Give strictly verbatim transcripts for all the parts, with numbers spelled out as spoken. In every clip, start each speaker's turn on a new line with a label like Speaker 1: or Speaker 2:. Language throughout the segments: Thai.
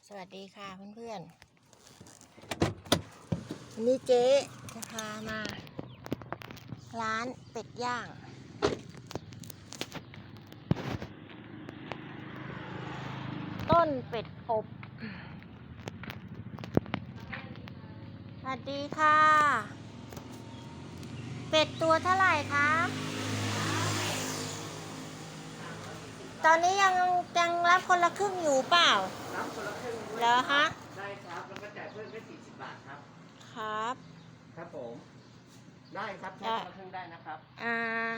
Speaker 1: สวัสดีค่ะเพื่อนๆวันนี้เจ๊จะพามา ร้านเป็ดย่างต้นเป็ดอบสวัสดีค่ะ เป็ดตัวเท่าไหร่คะตอนนี้ยังยังรับคนละครึ่งอยู่เปล่า
Speaker 2: รับคนละครึ่งด้วย
Speaker 1: เหรอคะ
Speaker 2: ได้ครับแล้วก็จ่ายเพิ่มแค่สี่สิบบาทครับ
Speaker 1: ครับ
Speaker 2: ครับผมได้ครับแค่คนละครึ่งได้นะครับ
Speaker 1: อ่า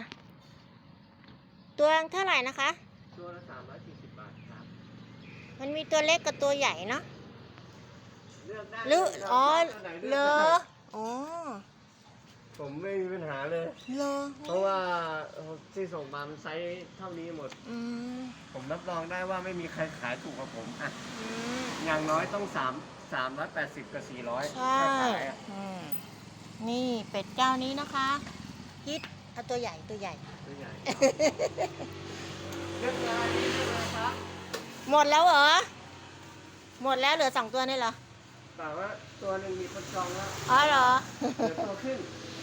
Speaker 1: ตัวเท่าไหร่นะคะ
Speaker 2: ตัวละสามร้อยสี่สิบบาทครับ
Speaker 1: มันมีตัวเล็กกับตัวใหญ่เนาะ
Speaker 2: เลือกได้
Speaker 1: หรืออ๋อเลออ๋อ
Speaker 2: ผมไม่มีปัญหาเลย
Speaker 1: เลอ
Speaker 2: เพราะว่าที่ส่งมามันไซส์เท่านี้หมด
Speaker 1: อืม
Speaker 2: ผมรับรองได้ว่าไม่มีใครขายถูกกว่าผมอ่ะ
Speaker 1: อืม
Speaker 2: อย่างน้อยต้องสามสามร้อยแปดสิบกับสี่ร้อย
Speaker 1: ใช่อืมนี่เป็ดเจ้านี้นะคะฮิตเอาตัวใหญ่ตัวใหญ่
Speaker 2: ตัวใหญ่เลือกเลยเลือกเลยครับ
Speaker 1: หมดแล้วเหรอหมดแล้วเหลือสองตัวนี่เหรอ
Speaker 2: แต่ว่าตัวหนึ่งมีคนจองแล้ว
Speaker 1: อ๋อเหรอ
Speaker 2: เหลือตัวขึ้น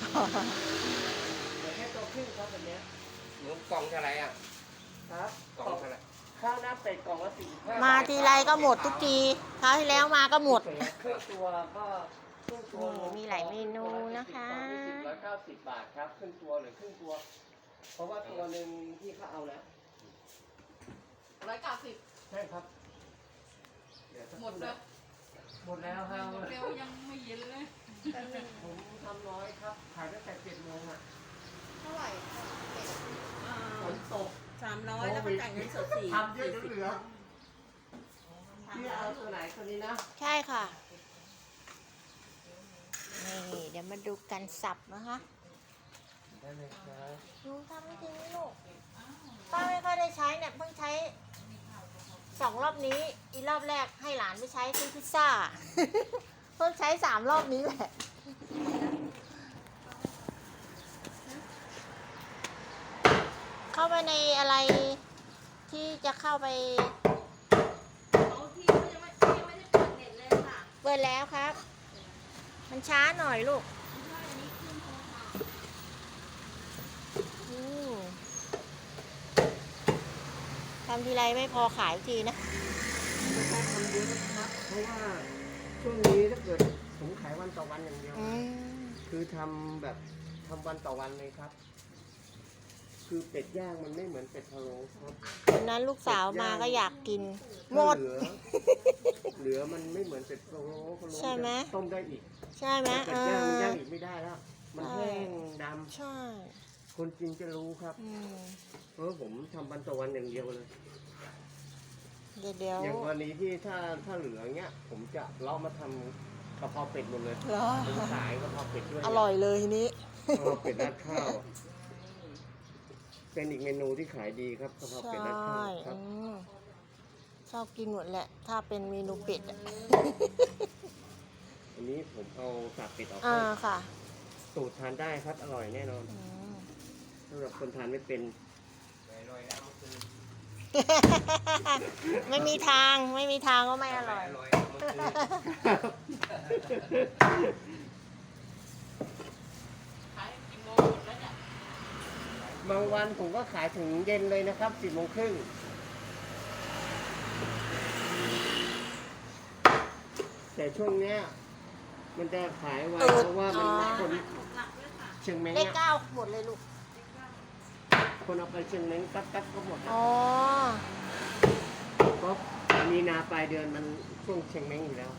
Speaker 2: เหลือแค่ตัวขึ้นครับวันนี้หนูกล่องเท่าไรอ่ะครับกล่องเท่าไรข้าวหน้าเป็ดกล่องละสี่สิบห้า
Speaker 1: มาทีไรก็หมดทุกทีคราวที่แล้วมาก็หมด
Speaker 2: ครึ่งตัวก็ครึ่งตัว
Speaker 1: มีหลายเมนูนะคะ
Speaker 2: ร้อยเก้าสิบบาทครับครึ่งตัวหรือครึ่งตัวเพราะว่าตัวหนึ่งที่เขาเอาแล้ว
Speaker 3: ร้อยเก้าสิบ
Speaker 2: ใช่ครับ
Speaker 3: หมดเลย
Speaker 2: หมดแล้วครับ
Speaker 3: เร็วยังไม่เย็นเลย
Speaker 2: ผมทำน้อยครับขายตั้งแต่เจ็ดโมงอ่ะ
Speaker 3: เท่าไหร่
Speaker 2: ฝนตก
Speaker 3: สามร้อยแล้วก็จ่ายเงินสดสี่
Speaker 2: ทำเยอะจนเหลือที่เอาตัวไหนตัวนี้นะ
Speaker 1: ใช่ค่ะนี่เดี๋ยวมาดูกันสับนะคะ
Speaker 2: ได้เลยครับ
Speaker 1: ดูทำไม่ถึงนี่ลูกป้าไม่ค่อยได้ใช้เนี่ยเพิ่งใช้สองรอบนี้อีรอบแรกให้หลานไปใช้ซื้อพิซซ่าเพิ่งใช้สามรอบนี้แหละเข้าไปในอะไรที่จะเข้าไป
Speaker 3: เขาที่เขายังไม่ยังไม่ได้เปิดเน็ตเลยค่ะ
Speaker 1: เปิดแล้วครับมันช้าหน่อยลูกทำทีไรไม่พอขายทีนะ
Speaker 2: ไม่ใช่ทำเยอะนะครับเพราะว่าช่วงนี้ถ้าเกิดผมขายวันต่อวันอย่างเดียวคือทำแบบทำวันต่อวันเลยครับคือเป็ดย่างมันไม่เหมือนเป็ดพะโล้ครับ
Speaker 1: วันนั้นลูกสาวมาก็อยากกินหมด
Speaker 2: เหลือเหลือมันไม่เหมือนเป็ดพะโล้พะโล้
Speaker 1: ใช่ไหม
Speaker 2: ต้มได้อีก
Speaker 1: ใช่ไหม
Speaker 2: เป็ดย่างมันย่างอีกไม่ได้แล้วมันแห้งดำ
Speaker 1: ใช่
Speaker 2: คนจริงจะรู้ครับเพราะผมทำวันต่อวันอย่างเดียวเลย
Speaker 1: เดี๋ยวเดี๋ยว
Speaker 2: อย่างวันนี้ที่ถ้าถ้าเหลือเงี้ยผมจะเลาะมาทำกะเพราเป็ดหมดเลยผมขายกะเพราเป็ดด้วย
Speaker 1: อร่อยเลยทีนี้
Speaker 2: กะเพราเป็ดราดข้าวเป็นอีกเมนูที่ขายดีครับกะเพราเป็ดราดข้าวครับ
Speaker 1: ชอบกินหมดแหละถ้าเป็นเมนูเป็ดอ่ะ
Speaker 2: อันนี้ผมเอาสับเป็ดออก
Speaker 1: อ่าค่ะ
Speaker 2: สูตรทานได้ครับอร่อยแน่นอนสำหรับคนทานไม่เป็น
Speaker 1: ไม่มีทางไม่มีทางก็ไม่อร่อย
Speaker 3: ขายกี่โมงหมดแล้วเนี่ย
Speaker 2: บางวันผมก็ขายถึงเย็นเลยนะครับสิบโมงครึ่งแต่ช่วงเนี้ยมันจะขายไวเพราะว่ามันคนเชียงใหม่
Speaker 1: เลขเก้าหมดเลยลูก
Speaker 2: คนเอาไปเชียงใหม่กัดกัดก็หมด
Speaker 1: อ๋อ
Speaker 2: ก็มีนาปลายเดือนมันช่วงเชียงใหม่อยู่แล้ว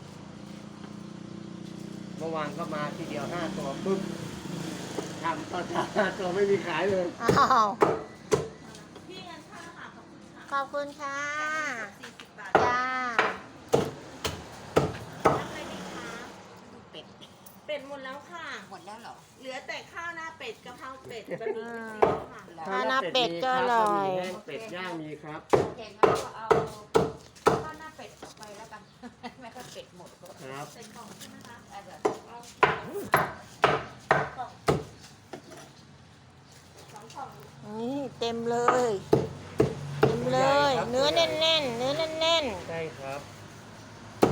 Speaker 2: เมื่อวานก็มาทีเดียวห้าตัวปุ๊บทำต่อจากห้าตัวไม่มีขายเลย
Speaker 1: อ้าว
Speaker 3: พี่เงินค่าค่ะ
Speaker 1: ขอบคุณค่ะ
Speaker 3: สี่สิบบาท
Speaker 1: จ้า
Speaker 3: เป็ดเป็ดหมดแล้วค่ะ
Speaker 1: หมดแล้วเหรอ
Speaker 3: เหลือแต่ข้าวหน้าเป็ดกะเพราเป็ดบะหมี่ค่ะ
Speaker 1: ข้าวหน้าเป็ดก็อร่อย
Speaker 2: เป็ดย่างมีครับ
Speaker 3: เก่งแล้วก็เอาข้าวหน้าเป็ดไปแล้วกันไม่ค่อยเป็ดหมด
Speaker 2: ครับ
Speaker 3: เป็นกล่องใช่ไหมคะ
Speaker 1: นี่เต็มเลยเต็มเลยเนื้อแน่นๆเนื้อแน่น
Speaker 2: ๆใช่ครับ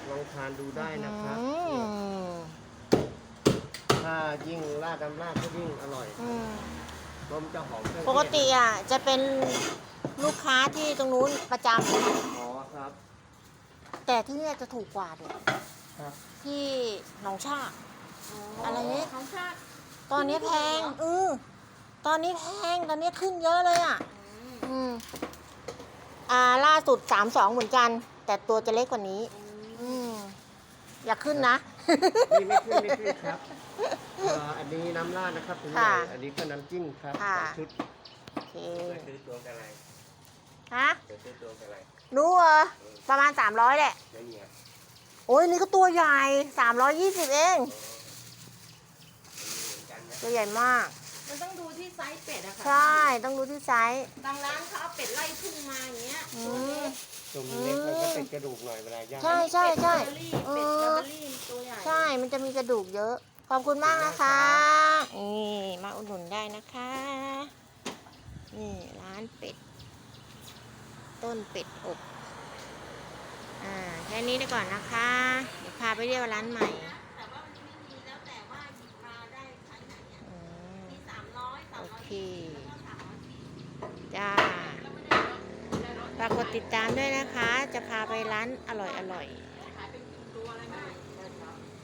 Speaker 2: ลองทานดูได้นะครับ
Speaker 1: อื
Speaker 2: เนี่ย
Speaker 1: ม
Speaker 2: ถ้ายิ่งราดน้ำราดก็ยิ่งอร่อย
Speaker 1: อืม
Speaker 2: เพราะมันจะหอมเครื่องเทศ
Speaker 1: ปกติอ่ะจะเป็นลูกค้าที่ตรงนู้นประจ
Speaker 2: อ๋อครับ
Speaker 1: ำแต่ที่เนี่ยจะถูกกว่าด้วย
Speaker 2: ครับ
Speaker 1: ที่หนองชาก อะไรเนี่ย
Speaker 3: ของชาติ
Speaker 1: ตอนนี้แพงเออตอนนี้แพงตอนนี้ขึ้นเยอะเลยอ่ะ อืมอ่าล่าสุดสามสองเหมือนกัน แต่ตัวจะเล็กกว่านี้ อืมอย่าขึ้นนะ
Speaker 2: นี่ไม่ขึ้นไม่ขึ้นครับเอ่ออันนี้น้ำราดนะครับถึงใหญ่
Speaker 1: ค่ะ
Speaker 2: อันนี้ก็น้ำจิ้มครับ
Speaker 1: ค่ะ
Speaker 2: สองชุด
Speaker 1: โอเค
Speaker 2: จะซื้อตัวกันอะไร
Speaker 1: ฮะ
Speaker 2: จะซื้อตัวกันอะไร
Speaker 1: รู้เหรอประมาณสามร้อยแหละ
Speaker 2: ไม่มีครับ
Speaker 1: โอ้ยนี่ก็ตัวใหญ่สามร้อยยี่สิบเอง
Speaker 2: เหมือนกันนะ
Speaker 1: ตัวใหญ่มาก
Speaker 3: มันต้องดูที่ไซส์เป็ดอะค่ะ
Speaker 1: ใช่ ต้องดูที่ไซส์
Speaker 3: บางร้านเขาเอาเป็ดไล่ทุ่งมาอย่างเงี้ย
Speaker 1: อื
Speaker 3: ตัว
Speaker 1: ม
Speaker 3: เล็ก
Speaker 2: ตัวมันเล็กมันก็เป็นกระดูกหน่อยเวลาย่าง
Speaker 1: ใช่ใช่ใช่
Speaker 3: เป็ด
Speaker 1: เอ
Speaker 3: เบอร์รี่เป็ด
Speaker 1: อ
Speaker 3: ลาเบอร์รี่ตัวใหญ่
Speaker 1: ใช่ มันจะมีกระดูกเยอะ ขอบคุณมากนะคะ นี่มาอุดหนุนได้นะคะ นี่ร้านเป็ด ต้นเป็ดอบ อ่า แค่นี้ได้ก่อนนะคะ เดี๋ยวพาไปเรียกร้านใหม่
Speaker 3: แต่ว่ามันไม่มีแล้วแต่ว่าหยิบมาได้ไซส์ไหนอะ
Speaker 1: อืม
Speaker 3: มีสามร้อยสาม
Speaker 1: โอ
Speaker 3: ร้อย
Speaker 1: เค
Speaker 3: แล้วก็สามร้อยสี่สิบ
Speaker 1: จ้าฝากกดติดตามด้วยนะคะ จะพาไปร้านอร่อยอร่อยๆ